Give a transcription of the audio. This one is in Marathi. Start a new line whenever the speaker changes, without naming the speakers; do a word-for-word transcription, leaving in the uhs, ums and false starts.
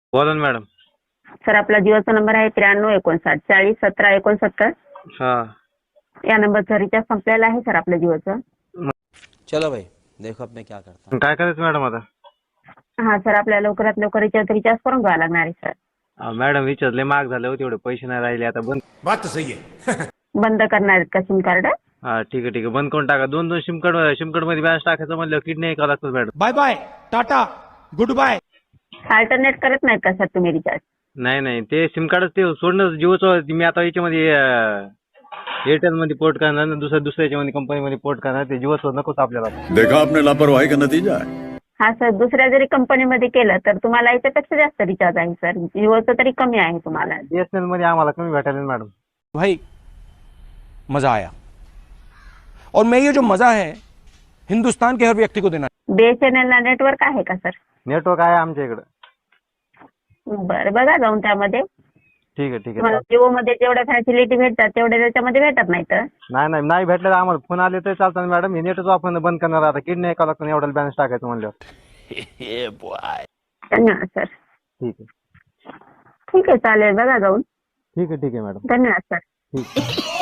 बोला ना मॅडम.
सर आपला जिओचा नंबर आहे त्र्याण्णव एकोणसाठ चाळीस सतरा एकोणसत्तर.
हा
या नंबरचा रिचार्ज संपलेला आहे सर आपल्या जिओचं.
चलो भाई देखो अब मैं क्या करता हूँ.
काय करायचं मॅडम आता?
हा सर आपल्याला लवकरात लवकर रिचार्ज रिचार्ज करून घ्यावा लागणार आहे सर.
अहो, मॅडम विचारले महाग झाले होते, एवढे पैसे नाही राहिले आता. बंद
बात तो सही है.
बंद करणार आहेत का सिम कार्ड?
हा ठीक आहे ठीक आहे, बंद करून टाका. दोन दोन सिम कार्ड सिम कार्ड मध्ये बॅलन्स टाकायचं म्हणलं किड नाही करावं लागतं madam.
Bye bye tata goodbye.
Alternate करत नाहीत का सर तुम्ही रिचार्ज?
नाही नाही, ते सिम कार्डच ते सोडणं जिओचं. मी आता याच्यामध्ये एअरटेल मध्ये पोर्ट करणार ना, दुसऱ्या दुसऱ्या याच्यामध्ये कंपनीमध्ये पोर्ट करणार. ते जिओचं नकोच आपल्याला.
देखा आपने लापरवाही का नतीजा है.
हा सर दुसऱ्या जरी कंपनीमध्ये केलं तर तुम्हाला याच्यापेक्षा जास्त रिचार्ज आहे सर. जिओचं तरी कमी आहे तुम्हाला.
बीएसएनएल मध्ये आम्हाला कमी भेटायला मॅडम.
भाई मजा आया और मैं ये जो मजा है हिंदुस्तान के हर व्यक्ति को देना.
बीएसएनएल ला नेटवर्क आहे का सर?
नेटवर्क आहे आमच्या इकडं.
बरं बघा जाऊन त्यामध्ये.
ठीक आहे ठीक आहे.
तुम्हाला जिओ मध्ये जेवढ्या फॅसिलिटी भेटतात तेवढ्या त्याच्यामध्ये भेटत नाही तर.
नाही नाही नाही भेटलं तर आम्हाला फोन आले तर चालतं ना मॅडम. हे नेटच आपण बंद करणार आता. किड नाही करावं लागतं एवढा बॅलन्स टाकायचं म्हणल्यावर.
धन्यवाद सर.
ठीक आहे
ठीक आहे चालेल बघा जाऊन.
ठीक आहे ठीक आहे मॅडम.
धन्यवाद सर.
ठीक.